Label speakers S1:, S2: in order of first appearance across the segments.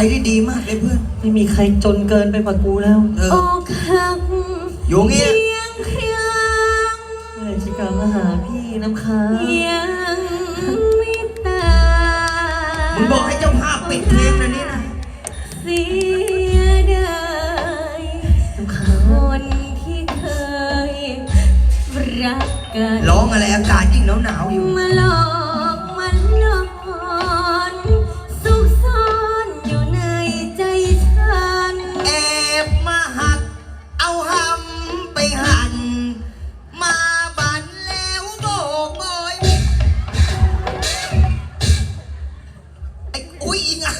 S1: ได้ดีมากเลยเพื่อน
S2: ไม่มีใครจนเกินไปกว่ากูแล้ว
S3: อกหัก
S1: อยู่เงี้ย
S3: เพียง
S2: เมื่อชิกามาหาพี่น้ำค้าง
S3: ยังไม่ตาย
S1: มึงบอกให้เจ้าภาพปิดเพลงนะนี่นะ
S3: เสียดาย
S2: น้ำค้าง
S3: คนที่เคยรักกัน
S1: ร้องอะไรอากาศยิ่งหนาวอยู่
S3: มาหลอกมันหลอนซุกซ่อนอยู่ในใจฉัน
S1: แอบมาหักเอาหำไปหั่นมาบันแล้วโบกบอยไอ้อุ้ยอีง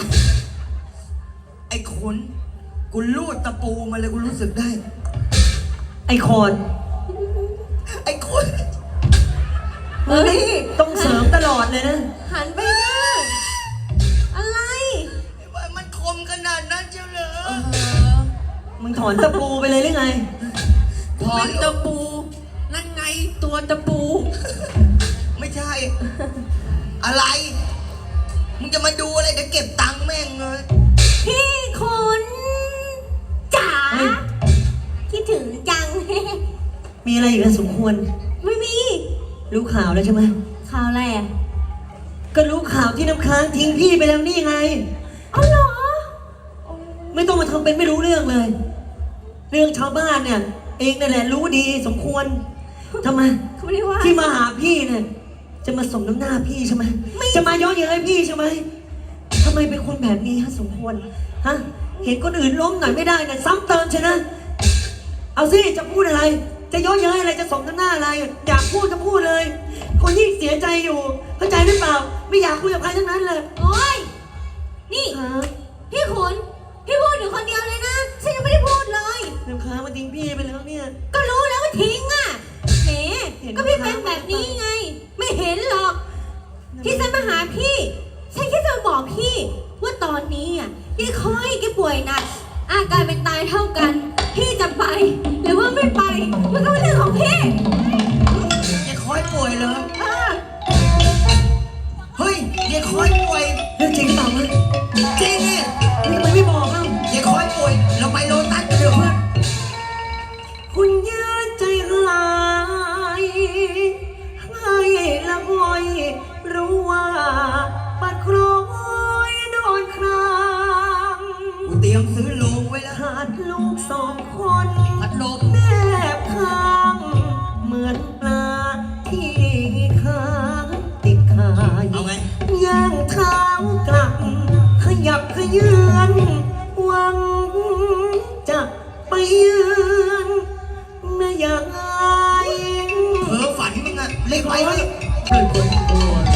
S1: ไอ้ขนกูลูดตะปูมาเลยกูรู้สึกได้
S2: ไอ้คอน
S1: ไอ้ขน
S2: เฮ้ยต้องเสริมตลอดเลยนะ
S3: หันไปนะอะไร
S1: มันคมขนาดนั้นเจ้าเหรอ
S2: มึงถอนตะปูไปเลยหรือไง
S1: ถอนตะปูนั่นไงตัวตะปูไม่ใช่อะไรมึงจะมาดูอะไรเดี๋ยวเก็บตังค์แม่งเลย
S3: พี่คุณจ๋าคิดถึงจัง
S2: มีอะไรอีกสมควร
S3: ไม่มี
S2: รู้ข่าวแล้วใช่ไหม
S3: ข่าวอะไรอ่ะ
S2: ก็รู้ข่าวที่น้ำค้างทิ้งพี่ไปแล้วนี่ไง
S3: อ๋อเหรอ
S2: ไม่ต้องมาทำเป็นไม่รู้เรื่องเลยเรื่องชาวบ้านเนี่ยเองนั่นแหละรู้ดีสมควรทำไมที่มาหาพี่เนี่ยจะมาสมน้ำหน้าพี่ใช่ไหมจะมาย้อนเย้ยพี่ใช่ไหมทำไมเป็นคนแบบนี้ฮะสมควรฮะเห็นคนอื่นล้มหน่อยไม่ได้เนี่ยซ้ำเติมใช่ไหมเอาสิจะพูดอะไรจะย้อนเย้ยอะไรจะสมน้ำหน้าอะไรอยากพูดก็พูดเลยคนยิ่งเสียใจอยู่เข้าใจหรือเปล่าไม่อยากคุยกับใครทั้งนั้นเลย
S3: โอ้ยนี่พี่ขุนพี่พูดอยู่คนเดียวเลยนะฉันยังไม่ได้พูดเลย
S2: น้ำค้างมาทิ้งพี่ไปแล้วเนี่ย
S3: ก็รู้แล้วว่าทิ้งอ่ะแหมก็พี่เป็นแบบนี้ไงไม่เห็นหรอกที่ฉันมาหาพี่ฉันแค่จะบอกพี่ว่าตอนนี้อ่ะพี่คอยแกป่วยหนักอาการเป็นตายเท่ากันพี่จะไปหรือว่าไม่ไปมันก็เป็นเรื่องของพี่
S1: ยายคอยป่วยเหรอเฮ้ยยายคอยป่วย
S2: เรื่องจริงหรือเปล่าวะ
S1: จริงไง
S2: ทำไมไม่บอกเล่าย
S1: ายคอยป่วยเราไปโลตัสกันเถอะเพื่อน
S2: คุณยืนใจร้ายให้ละงอยรู้ว่าปัดคล้อยโดนคราง
S1: กูเตรียมซื้อโลงไว้แล้ว
S2: ขาดลูกสองคน
S1: พัดลม
S2: แนบข้างเหมือนปลาที่ค้างติดคาย
S1: เอาไง
S2: ย่างเท้ากลับขยับขยืนหวังจะไปยืนแม่ยาย
S1: เพ้อฝันมึงอะเล็กไปไหม
S2: เป็นคนกลัว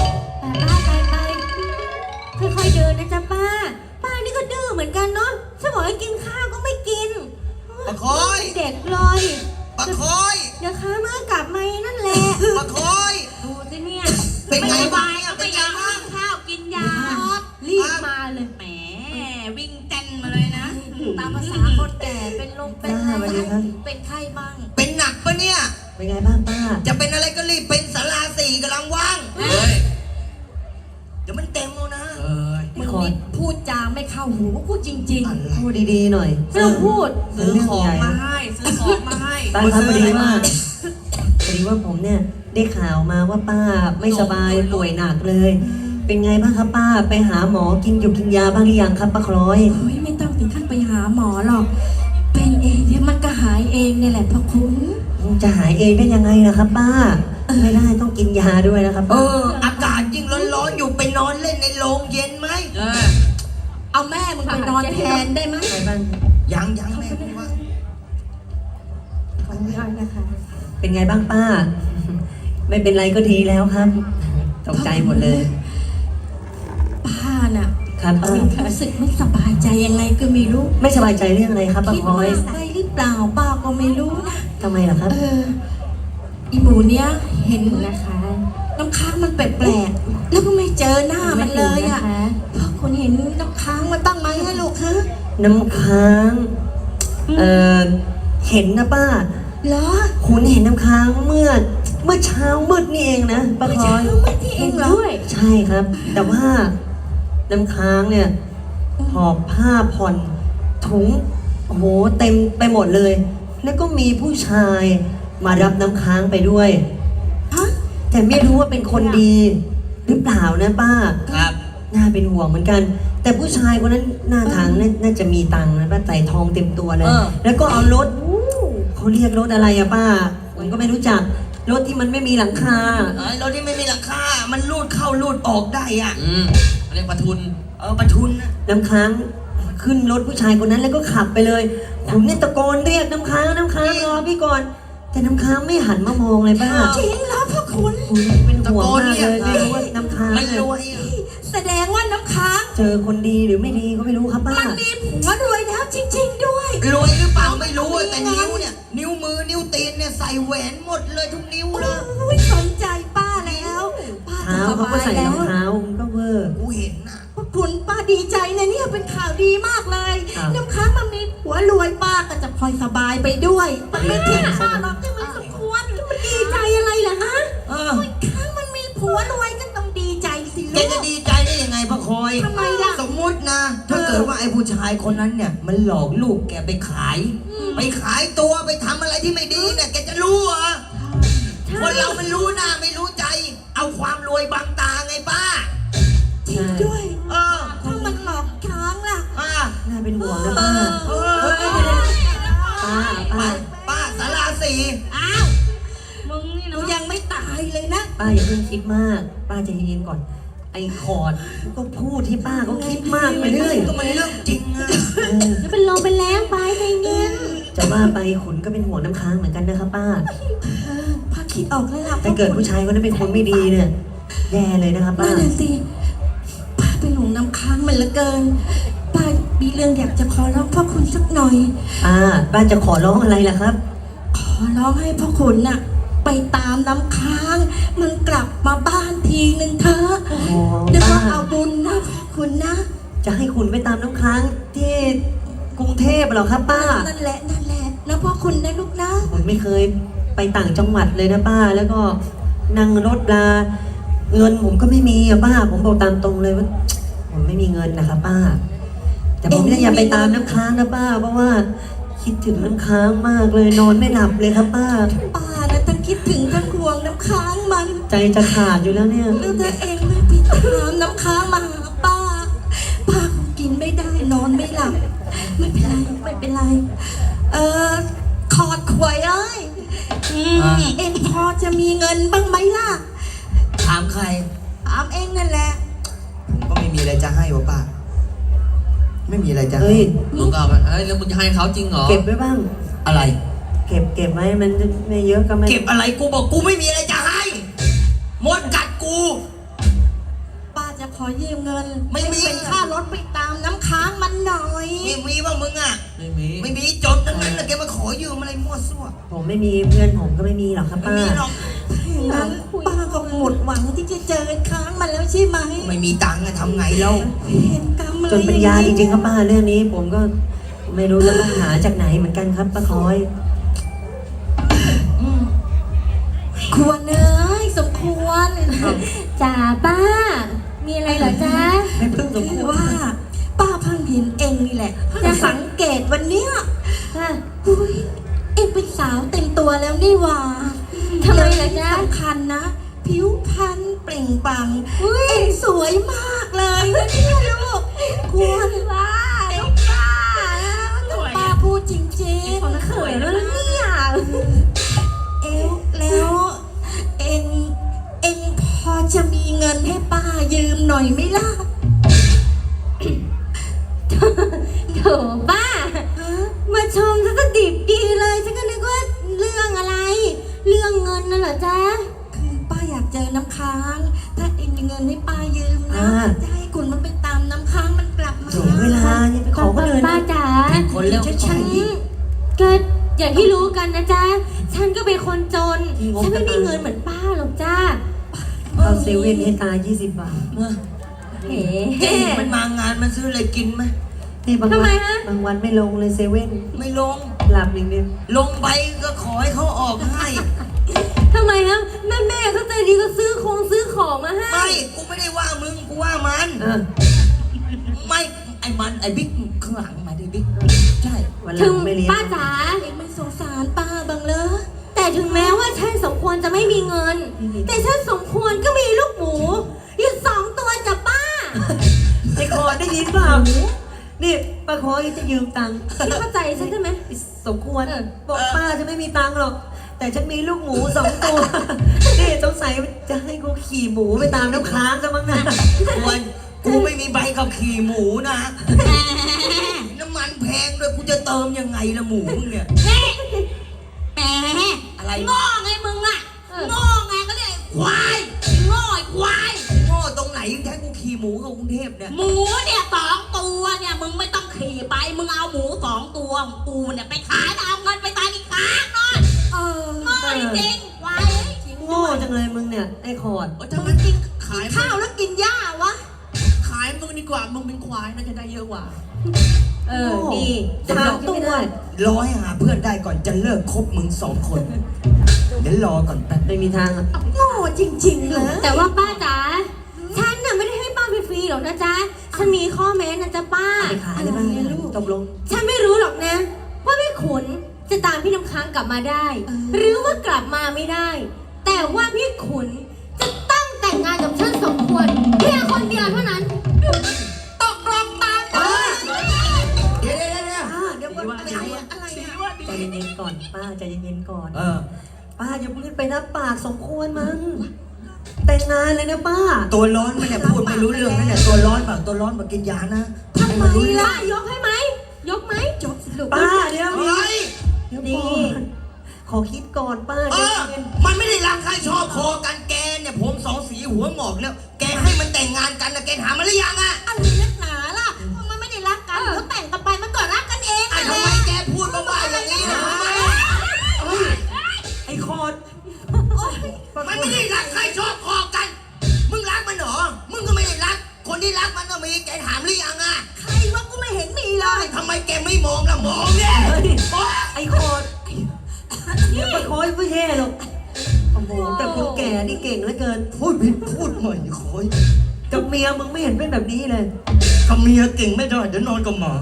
S3: ไปค่อยๆเดินนะจ๊ะป้านี่ก็ดื้อเหมือนกันเนาะฉันบอกให้กินข้าวก็ไม่กิน
S1: ปะคอย
S3: เด็กเลย
S1: ปะคอย
S3: เดี๋ยวค้ามือกลับมานั่นแหละ
S1: ปะคอย
S3: ดูสิเนี่ย
S1: เป็นไงบ้าง
S3: ก็ไปยังข้าวกินยารีบมาเลยแหมวิ่งเต้นมาเลยนะตามภาษาคนแก่เป็นลมเป็นอะไรเป็นไข้บ้าง
S1: เป็นหนักปะเนี่ย
S2: เป็นไงบ้างป้า
S1: จะเป็นอะไรก็รีบเป็นศาลาสี่กำลังว่างเดี๋ยวมันเต็มแล้วนะ
S3: มึงนี่พูดจาไม่เข้าหูพูดจริง
S2: ๆพูดดีๆหน่อย
S3: ไม่ต้องพูด
S1: ซื้อของมาให้ซื้อของมาให้
S2: ป้าครับพอดีว่าผมเนี่ยได้ข่าวมาว่าป้าไม่สบายป่วยหนักเลยเป็นไงบ้างครับป้าไปหาหมอกินยาบ้างหรือยังครับป้าคล้อย
S3: โอ้ยไม่ต้องถึงขั้นไปหาหมอหรอกเป็นเองเดี๋ยวมันก็หายเองนี่แหละพ่อคุณ
S2: จะหายเองได้ยังไงนะครับป้าไม่ได้ต้องกินยาด้วยนะครับ
S1: อากาศยิ่งร้อนๆอยู่ไปนอนเล่นในโรงเย็นไหม
S3: เอาแม่มึงไปนอนแทนได้ไหม
S1: ยังแม่ว่า
S3: ขออนุญาตนะคะ
S2: เป็นไงบ้างป้าไม่เป็นไรก็ดีแล้วครับตกใจหมดเลย
S3: ป้าน่ะ
S2: ครับป้า
S3: รู้สึกไม่สบายใจยังไงก็ไม่รู้
S2: ไม่สบายใจเรื่องอะไรครับป้าพลอย
S3: คิดว่าไปหรือเปล่าป้าก็ไม่รู้นะ
S2: ทำไมล่ะครับ
S3: อีหมูเนี้ยเห็นนะคะน้ำค้างมันแปลกๆแล้วก็ไม่เจอหน้ามันเลยอ่ะพ่อคุณเห็นน้ำค้างมันตั้งไหมฮะลูกคะ
S2: น้ำค้างเห็นนะป้า
S3: เหรอ
S2: คุณเห็นน้ำค้างเมื่อเช้ามืดนี่เองนะป้าพลอย
S3: เมื่อเช้ามืดนี่เองเหรอ
S2: ใช่ครับแต่ว่าน้ำค้างเนี่ยหอบผ้าผ่อนถุงโอ้โหเต็มไปหมดเลย แล้วก็มีผู้ชายมารับน้ำค้างไปด้วย
S3: ฮะ
S2: แต่ไม่รู้ว่าเป็นคนดีหรือเปล่านะป้า
S1: ครับ
S2: น่าเป็นห่วงเหมือนกัน แต่ผู้ชายคนนั้นหน้าทางน่าจะมีตังค์นะป้าใส่ทองเต็มตัวเลย แล้วก็เอารถเขาเรียกรถอะไรอะป้าผมก็ไม่รู้จักรถที่มันไม่มีหลังคา
S1: ไอ้รถที่ไม่มีหลังคา มันลูดเข้าลูดออกได้อ่ะ
S4: เรียกปะทุน
S1: ประทุนนะ
S2: น้ำค้างขึ้นรถผู้ชายคนนั้นแล้วก็ขับไปเลยผมเนี่ยตะโกนเรียกน้ำค้างรอพี่ก่อน แต่น้ำค้างไม่หันมามองเลยป้า
S3: จริงแล้วพ่อคุณ
S2: ผมเป็นห่วงมากเลยไม่รู้ว่าน้ำค้าง
S1: มัน
S2: เนี่ย
S1: รวยอ่ะ
S3: แสดงว่าน้ำค้าง
S2: เจอคนดีหรือไม่ดีก็ไม่รู้ครับป้า
S3: มันมีผัวรวยแล้วจริง ๆ ด้วย
S1: รวยหรือเปล่าไม่รู้อะแต่นิ้วเนี่ย นิ้วมือนิ้วตีนเนี่ยใส่แหวนหมดเลยทุกนิ้วเลย
S3: โอ้ยสนใจป้าแล้วป้า
S2: เท้า
S3: จะส
S2: เขาก็
S3: บาย
S2: ใส่ร
S3: แล้
S2: อ
S3: ว
S2: งเท้ามันก็เวอร์
S1: กูเห็นน่ะ
S3: พ่อคุณป้าดีใจนะเนี่ยเป็นข่าวดีมากเลย
S2: ครับ
S3: น้ำค้างมันมีผัวรวยป้าก็จะพลอยสบายไปด้วยมันไม่ทิ้งป้าหรอกที่มันสมควรมันดีใจอะไรล่ะฮะ
S1: เออ
S3: น้ำค้างมันมีผัวรวยก็ต้องดีใจสิ
S1: แก
S3: ลู
S1: จะ
S3: ก
S1: ดีใจได้ยังไงพระคอย
S3: ทำไมล่ะ
S1: สมมุตินะ ถ้าเกิดว่าไอ้ผู้ชายคนนั้นเนี่ย มันหลอกลูกแกไปขาย ไปขายตัวไปทำอะไรที่ไม่ดีเนี่ยแกจะรู้เหรอคนเรามันรู้หน้าไม่รู้ใจ เอาความรวยบังตาไงป้า
S3: จริงด้วย
S1: เออ
S3: ถ้ามันหลอกค้างล่ะ
S1: ป้า
S2: น่าเป็นห่วงนะป้า
S1: เออ
S2: ป้า
S1: ป้า
S2: ป้า
S1: ป้าสาราสี
S3: อ้าวมึงนี่นะยังไม่ตายเลยนะ
S2: ป้าอย่าเพิ่งคิดมาก ป้าใจเย็นๆก่อน ไอ้คอร์ดก็พูดที่ป้าก็คิดมากไปเรื่อย
S1: ก็มันเรื่องจริงอะ
S2: เออ
S3: จะเป็นลมเป็นแรงไปใจเย็น
S2: จะว่าไปขุนก็เป็นห่วงน้ำค้างเหมือนกันนะครับป้า
S3: พาคิดออกแล้วล่ะ
S2: ถ้าเกิดผู้ชายคนนั้นเป็นคนไม่ดีเนี่ยแย่เลยนะครับป้า
S3: นั่นน่ะสิป้าเป็นหลงน้ำค้างมันเหลือเกินป้ามีเรื่องอยากจะขอร้องพ่อคุณสักหน่อย
S2: ป้าจะขอร้องอะไรล่ะครับ
S3: ขอร้องให้พ่อคุณน่ะ ไปตามน้ำค้าง มันกลับมาบ้านทีนึงเถอะ
S2: โอ้โห
S3: เดี๋ยวก็
S2: ป้า
S3: เอาบุญนะพ่อคุณนะ
S2: จะให้คุณไปตามน้ำค้างที่กรุงเทพเหรอครับป้า
S3: นั่นแหละนะพ่อคุณนะลูกนะ
S2: ผมไม่เคยไปต่างจังหวัดเลยนะป้า แล้วก็นั่งรถลาเงินผมก็ไม่มีอะป้า ผมบอกตามตรงเลยว่า ผมไม่มีเงินนะครับป้า แต่ผมเนี่ยอยากไปตามน้ำค้างนะป้า เพราะว่าคิดถึงน้ำค้างมากเลยนอนไม่หลับเลยครับป้า
S3: ป้านะทั้งคิดถึงทั้งห่วงน้ำค้างมัน
S2: ใจจะขาดอยู่แล้วเนี่ย
S3: แล้วตัวเองไม่ไปตามน้ำค้างมาหาป้า ป้าคงกินไม่ได้นอนไม่หลับ ไม่เป็นไร ขอดขวยเอ้ยเอ็งพอจะมีเงินบ้างไหมล่ะ
S1: ถามใคร
S3: ถามเอ็งนั่นแหละ
S1: ผมก็ไม่มีอะไรจะให้วะป้า ไม่มีอะไรจะให้
S2: เฮ้ย
S4: มึงก็เอาไปเอ้ยแล้วมึงจะให้เขาจริงเหรอ
S2: เก็บไว้บ้าง
S1: อะไร
S2: เก็บไว้มันไม่เยอะก็ไม่
S1: เก็บอะไรกูบอกกูไม่มีอะไรจะให้มดกัดกู
S3: ป้าจะขอยืมเงิน
S1: ไม่มี
S3: เป็นค่ารถไปตามน้ำค้างมันหน่อย
S1: มีบ้างมึงอ่ะ
S4: ไม่มี
S1: ไม่มีจนทั้งนั้นนะแกมาขอยืมอะไรมั่วซั่ว
S2: ผมไม่มีเพื่อนผมก็ไม่มีหรอกครับ
S1: ไม่
S2: ป้า
S1: มีหรอก
S3: อย่างนั้นป้าก็หมดหวังที่จะเจอค้างมันแล้วใช่ไหม
S1: ไม่มีตังค์อะทำไงแล้ว
S3: เห็นกรรมอะไร
S2: จนปัญญาจริงๆครับป้าเรื่องนี้ ผมก็ไม่รู้จะต้องหาจากไหนเหมือนกันครับป้าคอย
S3: ควรเอ้ยสมควรจ่าป้า มีอะไรเหรอจ๊ะ
S2: ไม่เพิ่งสมค
S3: คือ
S2: วร
S3: ว่า ป้าเพิ่งเห็นเองนี่แหละจะสังเกตวันเนี้ยอุ้ยเอ็งเป็นสาวเต็มตัวแล้วนี่หว่าทำไมล่ะจ๊ะสำคัญนะ ผิวพรรณเปล่งปลั่งเอ็งสวยมากเลยนะเนี่ยลูกควรว่าลูกป้าป้าพูดจริงๆเขินแล้วเนี่ยเอวแล้วเอ็งพอจะมีเงินให้ป้ายืมหน่อยไหมล่ะ
S5: โถบ้า มาชมซะสดิบดีเลยฉันก็นึกว่าเรื่องอะไร เรื่องเงินน่ะเหรอจ๊ะ
S3: คือป้าอยากเจอน้ำค้าง ถ้าเองมีเงินให้ป้ายืมนะจะให้คุณมันไปตามน้ำค้างมันกลับมา
S2: เสียเวลาอย่าไปขอคนอื่น
S5: ป้า
S2: นะ
S5: จ๋า
S1: คนเร็ว
S5: ฉันก็อย่างที่รู้กันนะจ๊ะ ฉันก็เป็นคนจน ฉันไม่มีเงินเหมือนป้าหรอกจ้า
S2: เข้าเซเว่นให้ตา20 บาท
S5: เอ๋
S1: เจ๊มันมางานมันซื้ออะไรกินไหม
S2: นี่บาง
S5: ทำ
S2: วั
S5: ไม
S2: น
S5: ฮะ
S2: บางวันไม่ลงเลยเซเว่น
S1: ไม่ลง
S2: หลับอย่างเดียว
S1: ลงไปก็ขอให้เขาออกให้
S5: ทำไมฮะแม่เขาใจดีก็ซื้อของมาให้
S1: ไม่ กูไม่ได้ว่ามึง กูว่ามัน
S2: เออ
S1: ไม่ ไอไอ้บิ๊กข้างหลังมาดิบิ๊กใช่
S2: วันหลั
S5: ถึ
S2: ง
S5: ง
S2: ไม่เลี้ยง
S5: ป้าจ๋า
S3: เองไม่สงสารป้าบ้างเลย
S5: แต่ถึงแม้ว่าฉันสมควรจะไม่มีเงิน แต่ฉันสมควรก็มีลูกหมูอยู่2 ตัวจ้ะป้า
S2: ไอ้คอได้ยินเปล่านี่ป้าคอจะยืมตังค์
S5: พี่เข้าใจฉันใช่ไหม
S2: สมควรบอกป้าจะไม่มีตังค์หรอก แต่ฉันมีลูกหมู2 ตัว นี่สงสัยจะให้กูขี่หมูไปตามน้ำค้างซะมั้งนะ
S1: ควรกูไม่มีใบขับขี่หมูนะ น้ำมันแพงด้วยกูจะเติมยังไงละหมูมึงเนี่ย
S5: แหม
S1: อะไร
S5: โง่ไงมึงอ่ะโง่ไงก็เรียกไอ้ควายโง่ไอ้ควาย
S1: โง่ตรงไหนแท้กูขี่หมูกับกรุงเทพเนี่ย
S5: หมูเนี่ย2 ตัวเนี่ยมึงไม่ต้องขี่ไปมึงเอาหมู2 ตัวของกูเนี่ยไปขายแล้วเอาเงินไปตายอีกครั้งนอนโง่จริงๆควาย
S2: โง่จังเลยมึงเนี่ยไอ้คอร์ด
S4: ถ้ามันกินขาย
S3: ข้าวแล้วกินหญ้าวะ
S4: ขายมึงดีกว่า มึงเป็นควายน่าจะได้เยอะกว่า
S5: ดี
S2: จะยอมไม่ได้
S1: รอให้หาเพื่อนได้ก่อนจะเลิกคบมึง2 คน เดี๋ยวรอก่อนแป๊บ
S2: ไม่มีทางอะ
S3: โง่จริงๆเลย
S5: แต่ว่าป้าจ๋าฉันน่ะไม่ได้ให้ป้าฟรีๆหรอกนะจ๊ะฉันมีข้อแม้นะจ๊ะป้า
S2: ไปขายได้บ้างตกลง
S5: ฉันไม่รู้หรอกนะว่าพี่ขุนจะตามพี่น้ำค้างกลับมาได้ หรือว่ากลับมาไม่ได้ แต่ว่าพี่ขุนจะต้องแต่งงานกับฉันสมควรเพียงคนเดียวเท่านั้นตกลงตามกัน
S1: เดี๋ยว
S2: เดี๋ยวก่อน
S3: อะไรอะอะไรอะ
S2: ใจเย็นๆก่อนป้าใจเย็นๆก่อน
S1: เออ
S2: ป้าอย่าพูดไปรับปากสมควรมั้งแต่งงานเลยนะป้า
S1: ตัวร้อนมันเนี่ยพูดไม่รู้เรื่องนั่นแหละตัวร้อนเปล่าตัวร้อนมากินยานะให้มันรู้เรื่อง
S5: ป้ายกให้ไหมยกไหม
S3: จบสิลูก
S2: ป้าเดี๋ยว
S1: เฮ้ย
S2: เดี๋ยวก่อนขอคิดก่อนป้า
S1: เอ
S2: ใจ
S1: อ
S2: เย็น
S1: มันไม่ได้รักใครชอบคอกันแกเนี่ยผม2 สีหัวหงอกแล้ว แกให้มันแต่งงานกันนะแกถามมาหรือยังอะ
S3: อะไรนักหนาล่ะมันไม่ได้รักกันเขาแต่งกันไปมันก็รักกันเอง
S1: ไอ้ทำไมแกพูดบ้าๆอย่างนี้นะทำไม
S2: ไอ้คอร์ด
S1: มันไม่ได้รักใครชอบคอกัน มึงรักมันเหรอ มึงก็ไม่ได้รัก คนที่รักมันก็มีแกถามหรือยังอะ
S3: ใครวะกูไม่เห็นมีเลย
S1: ทำไมแกไม่มองล่ะมองเนี่ย
S2: เฮ้ย
S1: มอง
S2: ไอ้คอร์ดเดี๋ยวป้าคอยไม่แย่หรอกโอ้โหแต่คนแก่นี่เก่งเหลือเกิน
S1: พูดผิดพูดใหม่คอย
S2: กับเมียมึงไม่เห็นเป็นแบบนี้เลย
S1: กับเมียเก่งไม่ได้เดี๋ยวนอนกับหมา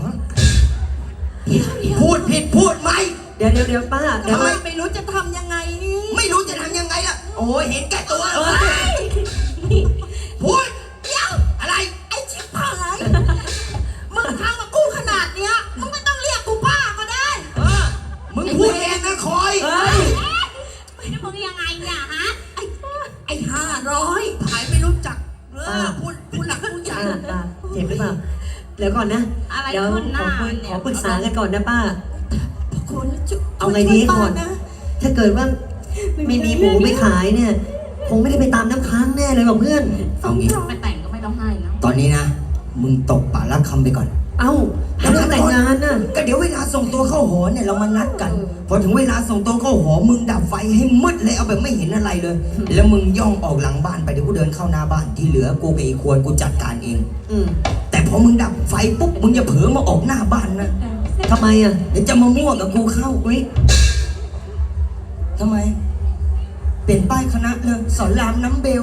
S1: พูดผิดพูดไหม
S2: เดี๋ยวป้าเดี๋ยว
S1: ทำไม
S3: ไม่รู้จะทำยังไงนี่
S1: ไม่รู้จะทำยังไงล่ะ โอ้ยเห็นแก่ตัว
S2: เอ้ย
S1: พูดเดี๋ยวอะไร
S3: ไอ้ชิบหายมึงทำกับกูขนาดเนี้ยมึงไม่ต้องเรียกกูป้าก็ได้
S1: เออมึงพูดเองนะคอย
S2: เฮ้ย
S5: มึงยังไงเนี่ยฮะ
S3: ไอ้500
S4: ขายไม่รู้จักพูดหลักพูดใหญ่
S2: ป้าเจ็บหรือเปล่าเดี๋ยวก่อนนะ
S5: อะไร
S2: เดี๋ยว
S5: ขึ้นหน้า
S2: ขอปรึกษากันก่อนนะป้า
S3: คุณช่วย
S2: เอาไงดี
S3: ช่วยป้า
S2: ก่อน
S3: นะ
S2: ถ้าเกิดว่าไม่มีหมูไปขายเนี่ย คงไม่ได้ไปตามน้ำค้างแน่เลยว่ะเพื่อน
S1: เอางี้
S5: ไปแต่งก็ไม่ต้องให้นะ
S1: ตอนนี้นะ มึงตกป่าละคำไปก่อน
S2: เอ้าแล้วเรื่องแต่งงานน่ะ
S1: ก็เดี๋ยวเวลาส่งตัวเข้าหอเนี่ยเรามานัดกัน พอถึงเวลาส่งตัวเข้าหอมึงดับไฟให้มืดเลยเอาแบบไม่เห็นอะไรเลย แล้วมึงย่องออกหลังบ้านไปเดี๋ยวกูเดินเข้าหน้าบ้านที่เหลือกูกับอีควรกูจัดการเอง
S2: อืม
S1: แต่พอมึงดับไฟปุ๊บมึงอย่าเผลอมาออกหน้าบ้านนะ
S2: ทำไมอ่ะ
S1: เดี๋ยวจะมามั่วกับกูเข้า
S2: อุ้ย
S1: ทำไม เปลี่ยนป้ายคณะเลยสอนรามน้ำเบล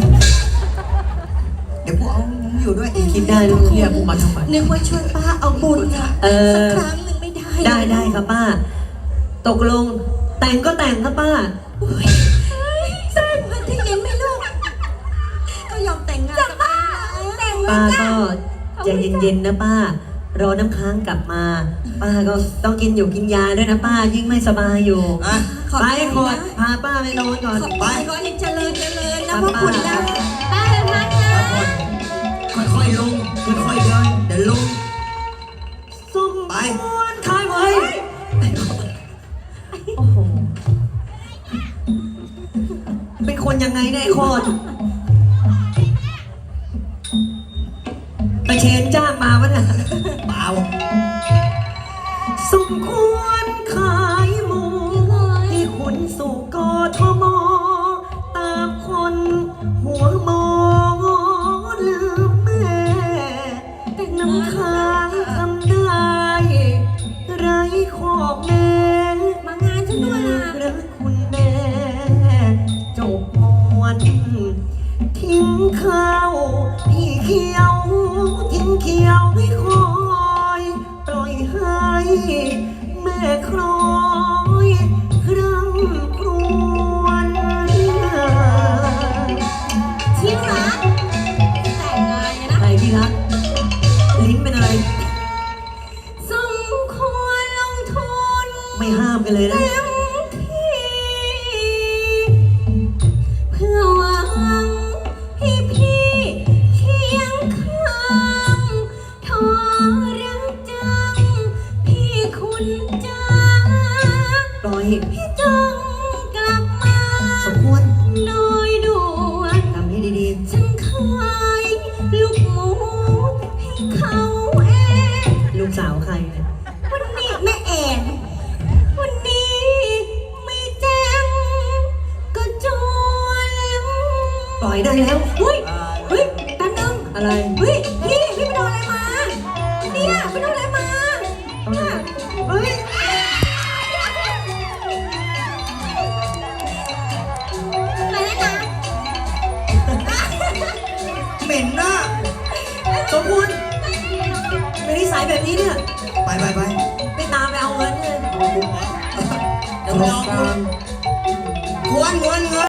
S1: เดี๋ยวกูเอามึงอยู่ด้วย
S2: คิดได้ลูก
S4: เรียกกูมาทำไม
S3: นึกว่าช่วยป้าเอาบุญอะ
S2: เอ
S3: สัก
S2: อ
S3: ครั้งหนึ่งไม่ได้
S2: ได้ครับป้า ตกลง แต่งก็แต่งครับป้า
S3: สักวันที่ยินไหมลูกก็ยอมแต่งงานกับป้าแต่ง
S2: ป้าก็ใจเย็นๆนะป้า รอน้ำค้างกลับมา ป้าก็ต้องกินอยู่กินยาด้วยนะป้า ยิ่งไม่สบายอยู่
S1: อ่ะ
S2: ไปขอดพาป้าไปนอนก่อน
S3: ขอบไปขอให้เจริญนะพ่อคุณนะ
S5: ป้าไปพักนะ
S1: ค่อยๆลงค่อยๆเดินเดี๋ยวลง
S2: สุ่ม
S1: ไป
S2: ควรขายไว้โอ้โห เป็นคนยังไงเนี่ยไอ้โคตรตะเชนจ้างมาวะเนี่ย
S1: เปล่า
S2: สมควรขายหมูให้คุณสู่กทมตามคนหัวหมอลืมแม่แต่น้ำค้างทำได้ไรขอบแม่
S5: มางานฉันด้วยนะ
S2: รักคุณแม่จบมวนทิ้งข้าวพี่เขียวทิ้งเขียวให้คอยไม่ห้ามกันเลยนะ
S5: เต็มที่เพื่อหวังให้พี่เคียงข้างทอรักจังพี่คุณจ้า
S2: ปล่อย
S5: พี่จงกลับมา
S2: สมควร
S5: โดยด่วน
S2: ทำให้ดี
S5: ฉันขายลูกหมูให้เขาเอง
S2: ๆ ลูกสาวใครเนี่ย
S5: วันนี้แม่แอนวันนี้ไม่แจ้งก็จวน
S2: ปล่อยได้แล้ว
S5: เฮ้ยเฮ้ยแป๊บนึง
S2: อะไร
S5: เฮ้ยพี่ไปโดนอะไรมาเนี่ยไปโดนอะไรมา
S2: ตรงไหน
S5: เฮ้ยไปแล้วนะ
S1: เหม็นนะ
S2: สมควรเป็นนิสัยแบบนี้เนี่ย
S1: ไป
S2: ไม่ตามไปเอาเงินเลย
S1: เดี๋ยวรอคุณควรเงิน